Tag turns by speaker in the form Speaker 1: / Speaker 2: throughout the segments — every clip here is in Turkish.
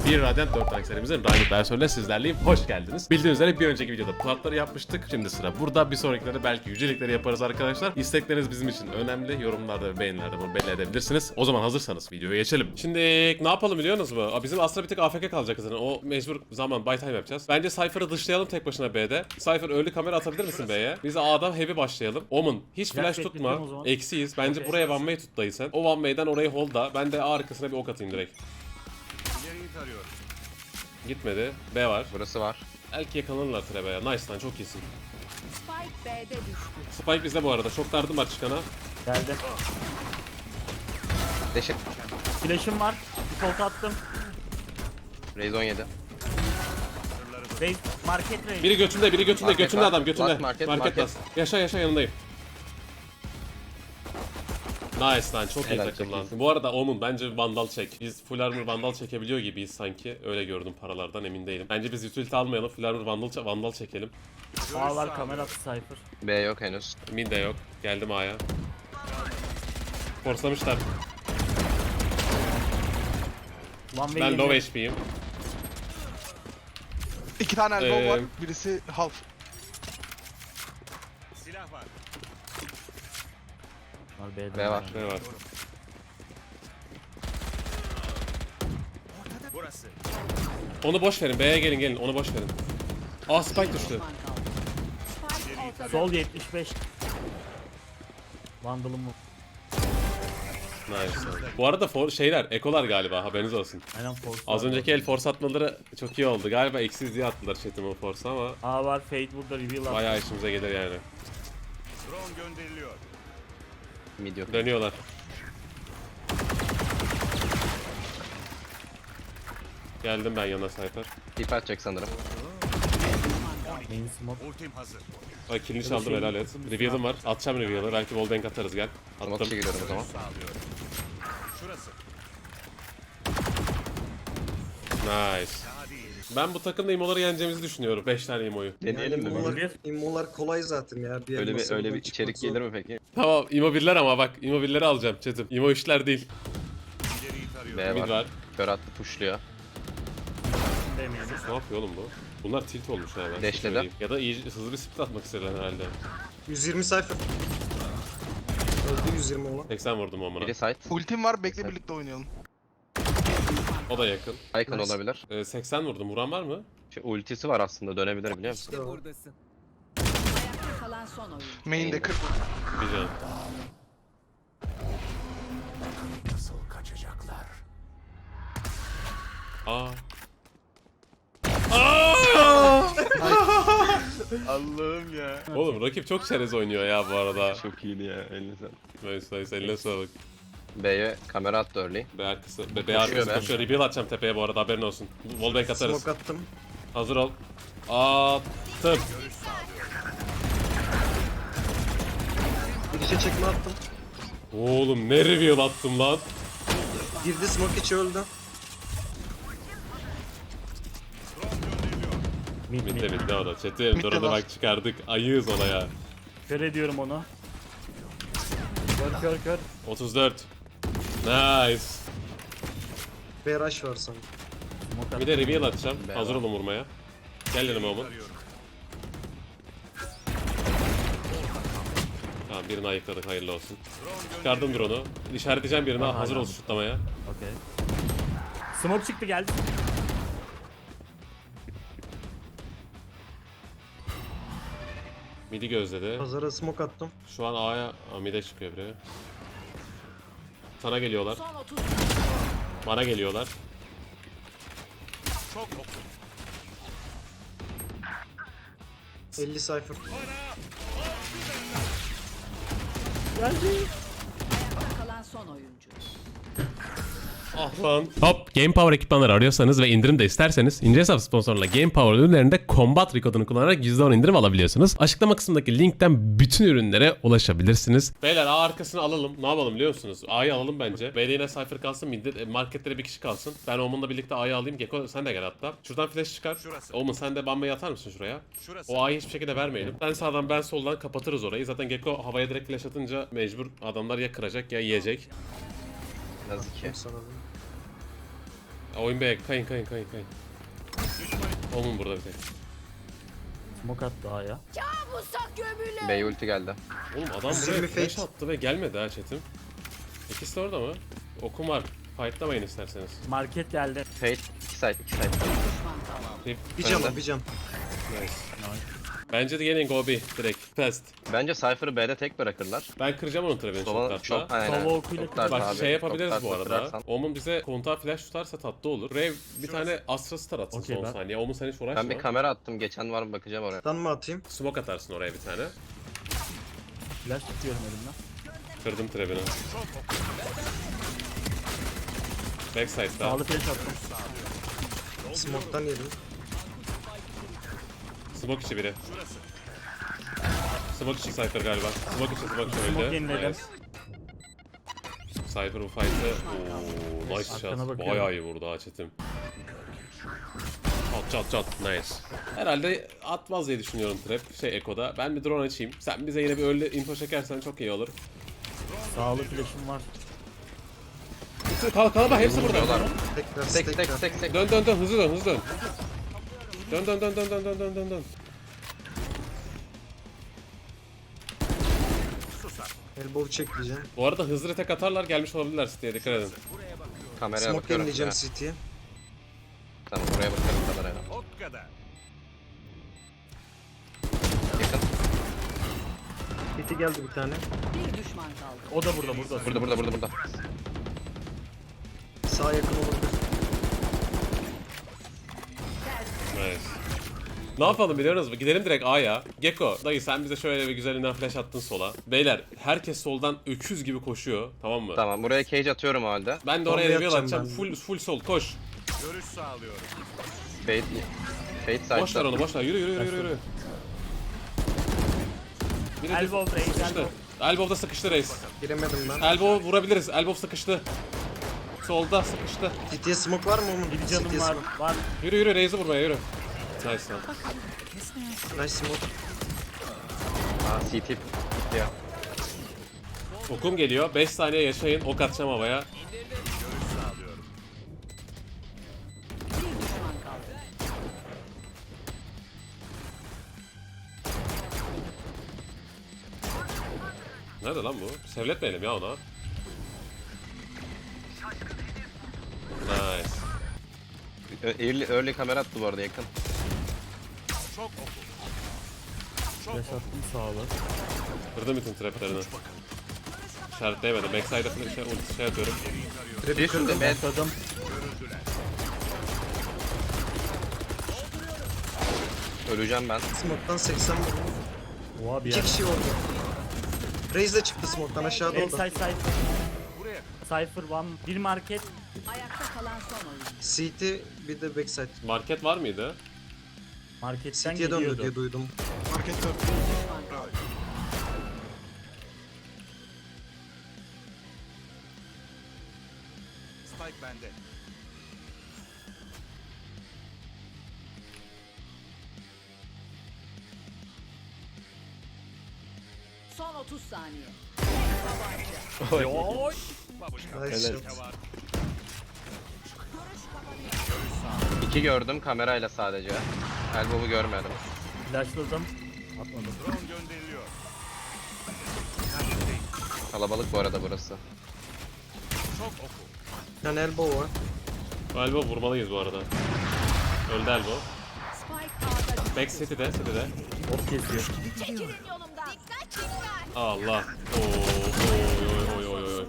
Speaker 1: Bir Radiant 4 tank serimizin Radiant versiyonuyla sizlerleyim. Hoş geldiniz. Bildiğiniz üzere bir önceki videoda platları yapmıştık. Şimdi sıra burada. Bir sonrakilerde belki yücelikleri yaparız arkadaşlar. İstekleriniz bizim için önemli. Yorumlarda ve beğenilerde bunu belli edebilirsiniz. O zaman hazırsanız videoya geçelim. Şimdi ne yapalım biliyorsunuz mu? Bizim Astra bir tık AFK kalacak zaten. O mecbur zaman buy time yapacağız. Bence Cypher'ı dışlayalım tek başına B'de. Cypher ölü kamera atabilir misin B'ye? Biz A'da heavy başlayalım. Omen hiç flash tutma. Eksiyiz. Bence buraya one way tut dayı sen. O one way'den orayı hold'a. Ben de A arkasına bir ok atayım direkt. Gitmedi. B var.
Speaker 2: Burası var.
Speaker 1: Belki yakalanırlar Trebe'ye. Nice lan çok iyisin.
Speaker 3: Spike B'de düştü.
Speaker 1: Spike bizde bu arada. Çok dardım var çıkana.
Speaker 4: Geldi.
Speaker 2: Deşik.
Speaker 4: Flash'ım var. Default attım.
Speaker 2: Raze 17.
Speaker 4: Raze, market raise.
Speaker 1: Biri götünde, biri götünde.
Speaker 2: Market
Speaker 1: Götünde
Speaker 2: var.
Speaker 1: adam, götünde.
Speaker 2: Last market.
Speaker 1: last. Yaşa yaşa yanındayım. Nice lan çok iyi
Speaker 2: Helal,
Speaker 1: takım
Speaker 2: çok
Speaker 1: lan.
Speaker 2: iyisin.
Speaker 1: Bu arada Omun bence Vandal çek. Biz full armor Vandal çekebiliyor gibiyiz sanki. Öyle gördüm paralardan emin değilim. Bence biz utility almayalım. Full armor Vandal çekelim.
Speaker 4: Ağlar kamera attı Cypher.
Speaker 2: B yok henüz.
Speaker 1: Mid de yok. Geldim A'ya. Forslamışlar.
Speaker 4: One way
Speaker 1: Ben
Speaker 4: geliyor.
Speaker 1: low HP'yim.
Speaker 5: 2 tane elbow var. Birisi half.
Speaker 4: Var B'de.
Speaker 2: B var.
Speaker 1: Ne var? Onu boş verin. B'ye gelin. Onu boş verin. Aa spike düştü.
Speaker 3: Düşman kaldı. Spike ortada.
Speaker 4: Sol 75. Vandal'ım mı?
Speaker 1: Nice. Bu arada şeyler, ekolar galiba haberiniz olsun.
Speaker 4: Aynen force.
Speaker 1: Az önceki el force atmaları çok iyi oldu. Galiba eksiz diye attılar chat'ime force ama
Speaker 4: A var, Fade burada reveal attı.
Speaker 1: bayağı işimize gelir yani.
Speaker 2: Mid yok.
Speaker 1: Dönüyorlar. Geldim ben yana Cypher.
Speaker 2: Tip atacak sanırım.
Speaker 4: Main smoke.
Speaker 1: Ay killini çaldım helal et. Reveal'ım var. Atacağım reveal'ı. Belki wallbang atarız gel.
Speaker 2: Smoke
Speaker 1: Attım.
Speaker 2: içi gidiyorum o zaman.
Speaker 1: Nice. Ben bu takımda imoları yeneceğimizi düşünüyorum. 5 tane imoyu.
Speaker 2: Deneyelim mi?
Speaker 4: Bir.
Speaker 6: İmmolar kolay zaten ya. Bir
Speaker 2: Öyle bir
Speaker 6: elmasından
Speaker 2: içerik
Speaker 6: çıkmak zor.
Speaker 2: gelir mi peki?
Speaker 1: Tamam imo birler ama bak imo birleri alacağım chat'im. Imo işler değil.
Speaker 2: B
Speaker 1: Mid
Speaker 2: var.
Speaker 1: var.
Speaker 2: Kör attı pushluyor.
Speaker 4: Demeyelim.
Speaker 1: Ne yapıyor oğlum bu? Bunlar tilt olmuş ha ben size
Speaker 2: Dash'ledi.
Speaker 1: söyleyeyim. Ya da iyi hızlı bir split atmak istediler herhalde.
Speaker 6: 120 sayfa. Öldü 120 olan.
Speaker 1: 80 vurdum amına.
Speaker 2: Biri site.
Speaker 5: Ultim var. Bekle birlikte oynayalım.
Speaker 1: O da yakın.
Speaker 2: Icon
Speaker 6: Nice.
Speaker 2: olabilir.
Speaker 1: 80 vurdum. Vuran var mı?
Speaker 2: Şu ultisi var aslında dönebilir biliyor musun?
Speaker 6: İşte o.
Speaker 3: Ayakta kalan son oyun.
Speaker 5: Main'de 40.
Speaker 1: Bir can. Aa.
Speaker 2: Allah'ım ya.
Speaker 1: Oğlum rakip çok çerez oynuyor ya bu arada.
Speaker 2: Çok iyiydi ya eline sağlık.
Speaker 1: Nice eline sağlık.
Speaker 2: B'ye kamera attı early.
Speaker 1: B arkası. B
Speaker 2: Koşuyor
Speaker 1: arkası
Speaker 2: be.
Speaker 1: koşuyor. Reveal atacağım tepeye bu arada haberin olsun. Wallbang atarız.
Speaker 6: Smoke attım.
Speaker 1: Hazır ol. Attım.
Speaker 6: Bir işe çekme attım.
Speaker 1: Oğlum ne reveal attım lan.
Speaker 6: Girdi smoke içi öldü.
Speaker 4: Mid
Speaker 1: Bitti
Speaker 4: mid.
Speaker 1: bitti o da. Chat'im drone'u
Speaker 5: var.
Speaker 1: bak çıkardık. Ayığız ona ya.
Speaker 4: Kör ediyorum onu. Kör.
Speaker 1: 34. Nice.
Speaker 6: B rush var sanki.
Speaker 4: Smoke
Speaker 1: Bir de reveal atacağım.
Speaker 2: B
Speaker 1: Hazır
Speaker 2: var.
Speaker 1: olun vurmaya. Gel dedim oğlum. Tamam birini ayıkladık hayırlı olsun. Çıkardım drone'u. İşaretleyeceğim birine hazır ol şutlamaya.
Speaker 4: Okey. Smoke çıktı geldi.
Speaker 1: Midi gözledi.
Speaker 6: Pazara smoke attım.
Speaker 1: Şu an A'ya mid'e çıkıyor biri. Sana geliyorlar.
Speaker 3: Son 30
Speaker 1: Bana geliyorlar.
Speaker 6: Çok 50 sayfa.
Speaker 3: ayakta kalan son oyuncu.
Speaker 1: Ah lan. Hop Game Power ekipmanları arıyorsanız ve indirim de isterseniz İnce Hesap sponsoruyla Game Power ürünlerinde Combat kodunu kullanarak %10 indirim alabiliyorsunuz. Açıklama kısmındaki linkten bütün ürünlere ulaşabilirsiniz. Beyler A arkasını alalım. Ne yapalım biliyor musunuz? A'yı alalım bence. B'de yine Cypher kalsın. Marketlere bir kişi kalsın. Ben Omen'la birlikte A'yı alayım. Gecko sen de gel hatta. Şuradan flash çıkar. Omen sen de Bamba'yı atar mısın şuraya? O A'yı hiçbir şekilde vermeyelim. Ben sağdan ben soldan kapatırız orayı. Zaten Gecko havaya direkt flash atınca mecbur adamlar ya kıracak ya yiyecek.
Speaker 2: Nazik ki.
Speaker 6: Sana da.
Speaker 1: Oyun be, kayın. Omun burada bir tek.
Speaker 4: Smoke attı A'ya.
Speaker 2: B'ye ulti geldi.
Speaker 1: Oğlum adam
Speaker 6: Simi
Speaker 1: buraya flash
Speaker 6: fake.
Speaker 1: attı ve gelmedi ha chatim. İkisi de orada mı? Okum var. Fightlamayın isterseniz.
Speaker 4: Market geldi.
Speaker 2: Fate 2 side 2 side.
Speaker 6: Bir can
Speaker 2: Önde.
Speaker 6: bir can.
Speaker 1: Nice. Bence de gelin go B direkt. Fast.
Speaker 2: Bence Cypher'ı B'de tek bırakırlar.
Speaker 1: Ben kıracağım onun trap'ini
Speaker 2: Sola
Speaker 1: çok
Speaker 2: çok
Speaker 1: tatlı.
Speaker 2: aynen.
Speaker 4: Sova okuyla
Speaker 2: Çok ters
Speaker 1: Bak
Speaker 2: abi,
Speaker 1: şey
Speaker 2: çok
Speaker 1: yapabiliriz
Speaker 2: ters
Speaker 1: bu arada.
Speaker 2: bırakırsan.
Speaker 1: Omun bize kontağa flash tutarsa tatlı olur. Rev bir tane Astra Star atsın
Speaker 4: Okey,
Speaker 1: son
Speaker 4: ben-
Speaker 1: saniye. Omun sen hiç uğraşma.
Speaker 2: Ben bir kamera attım. Geçen var mı bakacağım oraya.
Speaker 6: Stun mı atayım?
Speaker 1: Smoke atarsın oraya bir tane.
Speaker 4: Flash tutuyorum elimden.
Speaker 1: Kırdım trap'ini. Backside'da.
Speaker 4: Sağlı flash attım.
Speaker 6: Smoke'tan yedim.
Speaker 1: Smoke içi biri. Smoke içi Cypher galiba. Smoke içi
Speaker 4: Smoke
Speaker 1: öldü.
Speaker 4: yeniledim.
Speaker 1: Nice. Cypher bu fight'ı. Ooo nice
Speaker 4: Arkana
Speaker 1: shot.
Speaker 4: bakıyorum.
Speaker 1: Bayağı iyi vurdu ha chatim. Çat. Nice. Herhalde atmaz diye düşünüyorum trap. Eko'da. Ben bir drone açayım. Sen bize yine bir öyle info çekersen çok iyi olur.
Speaker 4: Sağlı flash'ım var.
Speaker 1: Kalabalık hepsi burada.
Speaker 2: Vuruyorlar.
Speaker 6: Tekrar
Speaker 2: Tek.
Speaker 1: Dön hızlı dön. Dön.
Speaker 6: Elbow çekleyeceğim.
Speaker 1: Bu arada hızlı tek atarlar gelmiş olabilirler diye dikkat edin.
Speaker 2: Kameraya
Speaker 6: Smoke
Speaker 2: bakıyorum.
Speaker 6: yenileyeceğim
Speaker 2: Ya.
Speaker 6: CT'ye.
Speaker 2: Tamam oraya bakarım kameraya. Yakın.
Speaker 6: CT geldi bir tane.
Speaker 3: Bir düşman kaldı.
Speaker 4: O da burada.
Speaker 2: Burada.
Speaker 6: Sağa yakın olabilir.
Speaker 1: Nice. Ne yapalım biliyor musunuz? Gidelim direkt A'ya. Gecko, dayı sen bize şöyle bir güzelinden flash attın sola. Beyler, herkes soldan öküz gibi koşuyor. Tamam mı?
Speaker 2: Tamam buraya cage atıyorum o halde.
Speaker 1: Ben de
Speaker 6: Bomba
Speaker 1: oraya reveal
Speaker 6: yapacağım
Speaker 1: atacağım.
Speaker 6: ben.
Speaker 1: Full sol koş.
Speaker 2: Fate side'da.
Speaker 1: Boş ver onu, boş ver. Yürü. Biri
Speaker 4: Elbow raise,
Speaker 1: sıkıştı.
Speaker 4: elbow.
Speaker 1: Elbow'da sıkıştı reis.
Speaker 6: Giremedim ben.
Speaker 1: Elbow vurabiliriz. Elbow sıkıştı. Solda sıkıştı.
Speaker 6: CT'ye smoke var mı onun?
Speaker 4: Bir canım
Speaker 6: CT'ye
Speaker 4: var.
Speaker 6: smoke.
Speaker 4: Var.
Speaker 1: Yürü reis'i vurmaya yürü. Nice lan.
Speaker 6: Nice smoke.
Speaker 2: Aa CT gitti ya.
Speaker 1: Okum geliyor. 5 saniye yaşayın. Ok atacağım havaya.
Speaker 3: Bir düşman kaldı.
Speaker 1: Nerede lan bu? Sevletmeyelim ya ona. Nice.
Speaker 2: Early kamera attı bu arada yakın.
Speaker 4: Flash attım sağlı.
Speaker 1: Kırdım bütün traplerini. İşaretleyemedim. Backside'a ulti şey atıyorum.
Speaker 2: Bir sürü B.
Speaker 4: Atladım.
Speaker 2: Öleceğim ben.
Speaker 6: Smoke'tan 80 vurdum.
Speaker 4: Oha bir
Speaker 6: 2
Speaker 4: yer.
Speaker 6: kişi orada. Raze de çıktı smoke'tan aşağıda orada.
Speaker 4: Backside Cypher. Cypher one. Bir market.
Speaker 3: Ayakta kalan son oyuncu.
Speaker 6: CT bir de backside.
Speaker 1: Market var mıydı?
Speaker 4: Marketten
Speaker 6: CT'ye döndü
Speaker 4: geliyordu.
Speaker 6: diye duydum.
Speaker 5: Market 4.
Speaker 3: Düşman kaldı.
Speaker 7: Spike bende.
Speaker 3: Son 30 saniye.
Speaker 6: Nice shot.
Speaker 2: 2 gördüm kamerayla sadece. Elbow'u görmedim.
Speaker 4: Flashladım. Atmadım.
Speaker 7: Drone gönderiliyor.
Speaker 2: Kalabalık bu arada burası.
Speaker 7: Çok oku.
Speaker 6: Bir tane elbow var.
Speaker 1: Elbow vurmalıyız bu arada. Öldü Elbow.
Speaker 3: Spike A'da
Speaker 1: Back city'de.
Speaker 4: Ok kesiyor.
Speaker 1: Allah. Oy.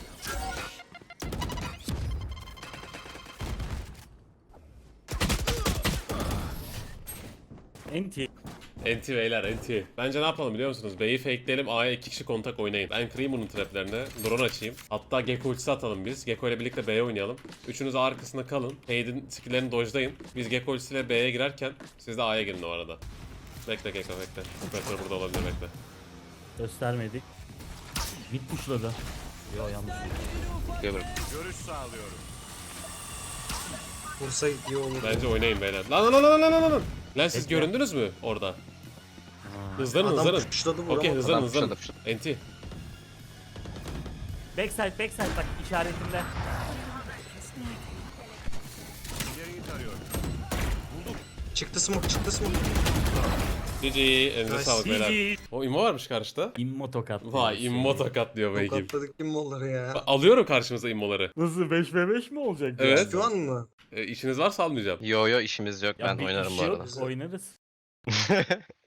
Speaker 4: Enti.
Speaker 1: NT beyler NT. Bence ne yapalım biliyor musunuz? B'yi fakeleyelim, A'ya 2 kişi kontak oynayın. Ben kırayım bunun traplerini. Drone açayım. Hatta Gecko ultisi atalım biz. Gecko ile birlikte B'ye oynayalım. Üçünüz A arkasında kalın. Hade'in skill'lerini dojlayın. Biz Gecko ultisiyle B'ye girerken siz de A'ya girin o arada. Bekle Gecko bekle. Operatör burada olabilir bekle.
Speaker 4: Göstermedik. Mid pushladı. Yo yanlış.
Speaker 2: Görürüm.
Speaker 7: Görüş sağlıyorum.
Speaker 6: Vursa iyi olur.
Speaker 1: Bence oynayın beyler. Lan. Lan siz
Speaker 4: Bekle.
Speaker 1: göründünüz mü orada? Hızlanın.
Speaker 6: Adam pushladı vuramadı.
Speaker 1: Okey hızlanın.
Speaker 2: Adam pushladı.
Speaker 1: NT.
Speaker 4: Backside bak işaretimde.
Speaker 7: arıyorum.
Speaker 6: Çıktı smoke, çıktı smoke.
Speaker 1: GG. Elinize
Speaker 6: Nice.
Speaker 1: sağlık beyler.
Speaker 4: GG.
Speaker 1: O immo varmış karşıda.
Speaker 4: İmmo tokat.
Speaker 1: Vay immo tokat diyor bu ekip.
Speaker 6: Tokatladık kim onları ya.
Speaker 1: Alıyorum karşımıza immoları.
Speaker 4: Nasıl 5v5 mi olacak?
Speaker 1: Evet.
Speaker 6: Şu an mı?
Speaker 1: İşiniz varsa almayacağım.
Speaker 2: Yo yo işimiz yok,
Speaker 4: Ya
Speaker 2: ben
Speaker 4: bir
Speaker 2: oynarım
Speaker 4: iş
Speaker 2: bu
Speaker 4: yok,
Speaker 2: arada.
Speaker 4: Oynarız.